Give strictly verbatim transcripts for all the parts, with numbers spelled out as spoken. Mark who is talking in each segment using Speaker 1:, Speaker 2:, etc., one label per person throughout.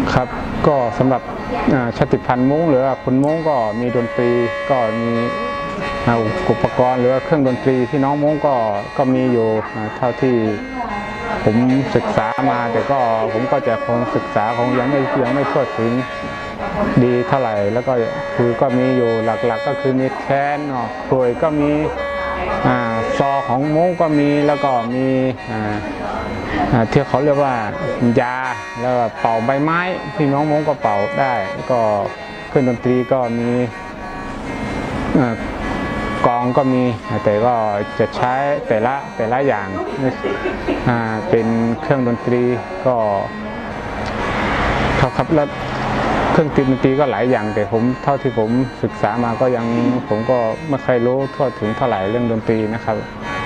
Speaker 1: ครับก็สำหรับชาติพันธุ์ม้งหรือคนม้งก็มีดนตรีก็มีอุปกรณ์หรือเครื่องดนตรีที่น้องม้งก็ก็มีอยู่เท่าที่ผมศึกษามาแต่ก็ผมก็จะคงศึกษาคงยังไม่ยังไม่ทั่วถึงดีเท่าไหร่แล้วก็คือก็มีอยู่หลักๆ ก็คือมีแคนเนาะกลวยก็มีซอของม้งก็มีแล้วก็มีที่เขาเรียกว่ายาแล้วเป่าใบไม้พี่น้องม้งก็เป่าได้ก็เครื่องดนตรีก็มีกองก็มีแต่ก็จะใช้แต่ละแต่ละอย่างเป็นเครื่องดนตรีก็ครับครับแล้วเครื่องดนตรีก็หลายอย่างแต่ผมเท่าที่ผมศึกษามาก็ยังผมก็ไม่เคยรู้ทั่วถึงเท่าไหร่เรื่องดนตรีนะครับ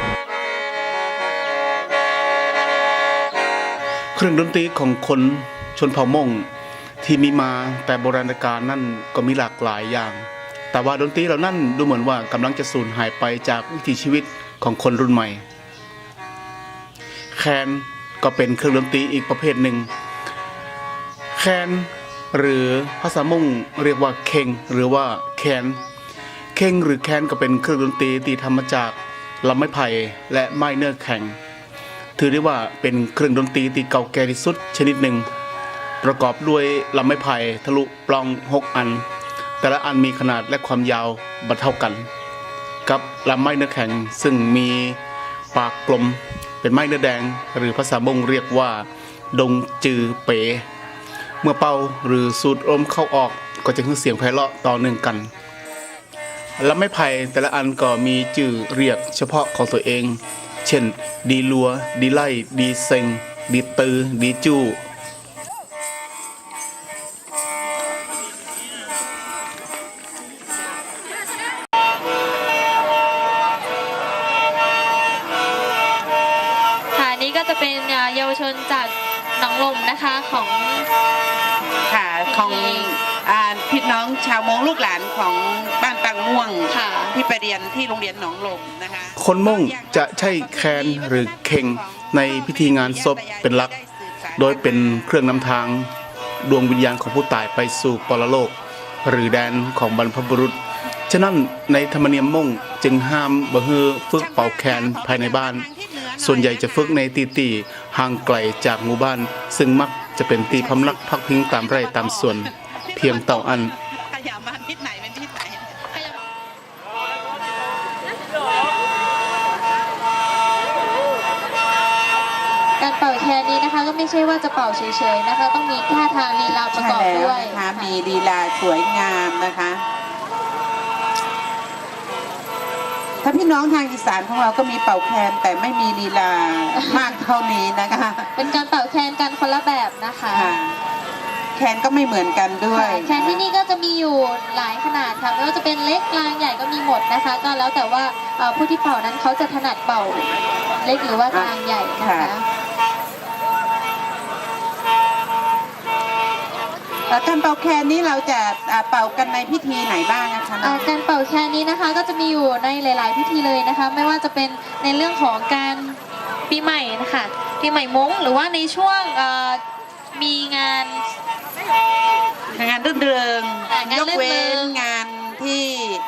Speaker 2: เครื่องดนตรีของคนชนเผ่ามงที่มีมาแต่โบราณกาลนั่นก็มีหลากหลายอย่างแต่ว่าดนตรีเหล่านั้นดูเหมือนว่ากำลังจะสูญหายไปจากวิถีชีวิตของคนรุ่นใหม่แคนก็เป็นเครื่องดนตรีอีกประเภทหนึ่งแคนหรือภาษามงเรียกว่าเคงหรือว่าแคนเคงหรือแคนก็เป็นเครื่องดนตรีที่ทำมาจากลำไม้ไผ่และไม้เนื้อแข็งถือได้ว่าเป็นเครื่องดนตรีที่เก่าแก่ที่สุดชนิดหนึ่งประกอบด้วยลำไม้ไผ่ทะลุปล้องหกอันแต่ละอันมีขนาดและความยาวบัดเท่ากันกับลำไม้เนื้อแข็งซึ่งมีปากกลมเป็นไม้เนื้อแดงหรือภาษามงเรียกว่าดงจือเป๋เมื่อเป่าหรือสูดลมเข้าออกก็จะขึ้นเสียงไพเราะต่อเนื่องกันลำไม้ไผ่แต่ละอันก็มีชื่อเรียกเฉพาะของตัวเองเช่นดีลัวดีไล่ดีเซ็งดีตือดีจู้
Speaker 3: ค่ะนี่ก็จะเป็นเยาวชนจากหนองลมนะคะของ
Speaker 4: ค่ะของพี่น้องชาวมงลูกหลานของบ้านปังม่วงที่ไปเรียนที่โรงเรียนหนองลมนะคะ
Speaker 2: คนมงจะใช้แคนหรือเข่งในพิธีงานศพเป็นหลักโดยเป็นเครื่องนำทางดวงวิญญาณของผู้ตายไปสู่ปรโลกหรือแดนของบรรพบุรุษฉะนั้นในธรรมเนียมมงจึงห้ามบ่ฮือฝึกเป่าแคนภายในบ้านส่วนใหญ่จะฝึกในตีตีห่างไกลจากหมู่บ้านซึ่งมักจะเป็นตีพำนักพักพิงตามไร่ตามสวนเพียงเต่าอัน
Speaker 4: ขยาบ้านทิศไหนเป็นทิศไหน
Speaker 3: การเป่าแคนนี้นะคะก็ไม่ใช่ว่าจะเป่าเฉยๆนะคะต้องมีท่าทางลีลาประกอบด้วย
Speaker 4: นะคะมีลีลาสวยงามนะคะถ้าพี่น้องทางอีสานของเราก็มีเป่าแคนแต่ไม่มีลีลามากเท่านี้นะคะ
Speaker 3: เป็นการเป่าแคนกันคนละแบบนะคะ
Speaker 4: แคนก็ไม่เหมือนกันด้วย
Speaker 3: แคนที่นี่ก็จะมีอยู่หลายขนาดค่ะไม่ว่าจะเป็นเล็กกลางใหญ่ก็มีหมดนะคะก็แล้วแต่ว่าผู้ที่เป่านั้นเขาจะถนัดเป่าเล็กหรือว่ากลางใหญ่นะคะ
Speaker 4: การเป่าแคนนี้เราจะเป่ากันในพิธีไหนบ้างนะคะ
Speaker 3: การเป่าแคนนี้นะคะก็จะมีอยู่ในหลาย ๆพิธีเลยนะคะไม่ว่าจะเป็นในเรื่องของการปีใหม่นะคะปีใหม่ม้งหรือว่าในช่วงมีงาน
Speaker 4: งานรื่นเริงยกเว้นงานที่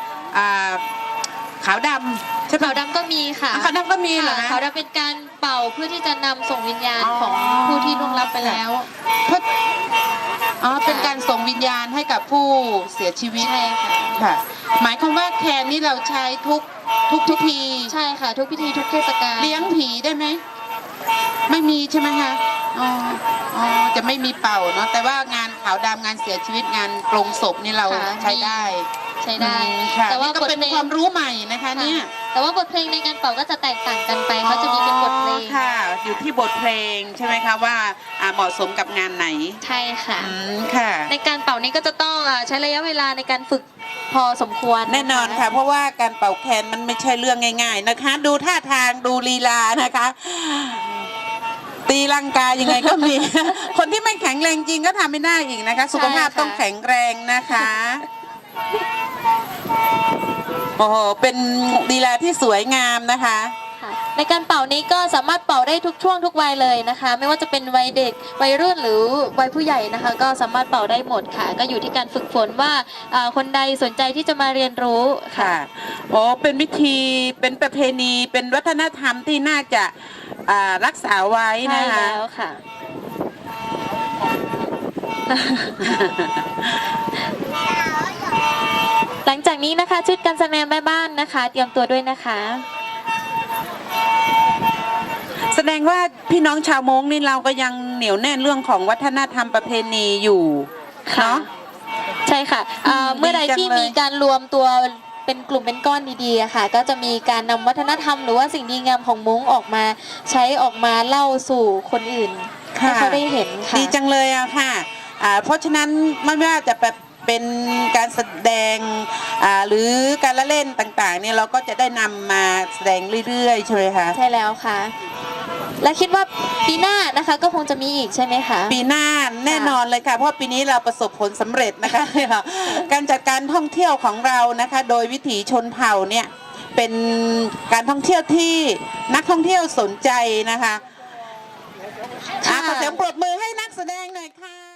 Speaker 4: ขาวดำ
Speaker 3: ใช่ขาวดำก็มีค่ะ
Speaker 4: ขาวดำก็มีเหรอ
Speaker 3: ขาวดำเป็นการเป่าเพื่อที่จะนำส่งวิญญาณของผู้ที่ล่วงลับไปแล้ว
Speaker 4: อ๋อเป็นการส่งวิญญาณให้กับผู้เสียชีวิต
Speaker 3: ใช่
Speaker 4: ค่ะหมายความว่าแคนนี่เราใช้ทุกทุกพิธี
Speaker 3: ใช่ค่ะทุกพิธีทุกเทศกาล
Speaker 4: เลี้ยงผีได้ไหมไม่มีใช่ไหมคะอ๋ออ๋อจะไม่มีเป่าเนาะแต่ว่างานขาวดำงานเสียชีวิตงานปลงศพนี่เราใช้ได้
Speaker 3: ใช้ได้
Speaker 4: แต่ว่าก็เป็นความรู้ใหม่นะคะเนี่ย
Speaker 3: แต่ว่าบทเพลงในการเป่าก็จะแตกต่างกันไปเขาจะมีเป็นบทเพลง
Speaker 4: ค่ะอยู่ที่บทเพลงใช่ไหมคะว่าเหมาะสมกับงานไหน
Speaker 3: ใช่ค่ะ
Speaker 4: ค่ะ
Speaker 3: ในการเป่านี้ก็จะต้องใช้ระยะเวลาในการฝึกพอสมควร
Speaker 4: แน่นอนค่ะเพราะว่าการเป่าแคนมันไม่ใช่เรื่องง่ายๆนะคะดูท่าทางดูลีลานะคะตีลังกายังไงก็มีคนที่ไม่แข็งแรงจริงก็ทำไม่ได้อีกนะคะสุขภาพต้องแข็งแรงนะคะโอ้โหเป็นลีลาที่สวยงามนะคะ
Speaker 3: ในการเป่านี้ก็สามารถเป่าได้ทุกช่วงทุกวัยเลยนะคะ ไม่ว่าจะเป็นวัยเด็กวัยรุ่นหรือวัยผู้ใหญ่นะคะ ก็สามารถเป่าได้หมดค่ะ ก็อยู่ที่การฝึกฝนว่าอ่าคนใดสนใจที่จะมาเรียนรู้ค่ะ
Speaker 4: ค่ะโอ้เป็นวิธีเป็นประเพณีเป็นวัฒนธรรมที่น่าจะอ่ารักษาไว้
Speaker 3: ใช่
Speaker 4: นะคะ
Speaker 3: แล้วค่ะ หลังจากนี้นะคะชุดการแสดงแม่บ้านนะคะ เตรียมตัวด้วยนะคะ
Speaker 4: แสดงว่าพี่น้องชาวมงนี่เราก็ยังเหนียวแน่นเรื่องของวัฒนธรรมประเพณีอยู่
Speaker 3: ค่ะ
Speaker 4: เนาะ
Speaker 3: ใช่ค่ะอ่า
Speaker 4: อืม
Speaker 3: เมื่อใด
Speaker 4: ดีจัง
Speaker 3: ที่
Speaker 4: เลย
Speaker 3: มีการรวมตัวเป็นกลุ่มเป็นก้อนดีๆอะค่ะ ก็จะมีการนำวัฒนธรรมหรือว่าสิ่งดีงามของม้งออกมาใช้ออกมาเล่าสู่คนอื่นให้เขาได้เห็นค่ะ
Speaker 4: ดีจังเลยอะค่ะอ่าเพราะฉะนั้นไม่ว่าจะแบบเป็นการแสดงอ่าหรือการละเล่นต่างๆเนี่ยเราก็จะได้นำมาแสดงเรื่อยๆใช่ไหมคะ
Speaker 3: ใช่แล้วค่ะ และคิดว่าปีหน้านะคะก็คงจะมีอีกใช่ไหมคะ
Speaker 4: ปีหน้าแน่นอนเลยค่ะเพราะปีนี้เราประสบผลสำเร็จนะคะ การจัดการท่องเที่ยวของเรานะคะ โดยวิถีชนเผ่าเนี่ยเป็นการท่องเที่ยวที่นักท่องเที่ยวสนใจนะคะอ่ะขอเสียงปรบมือให้นักแสดงหน่อยค่ะ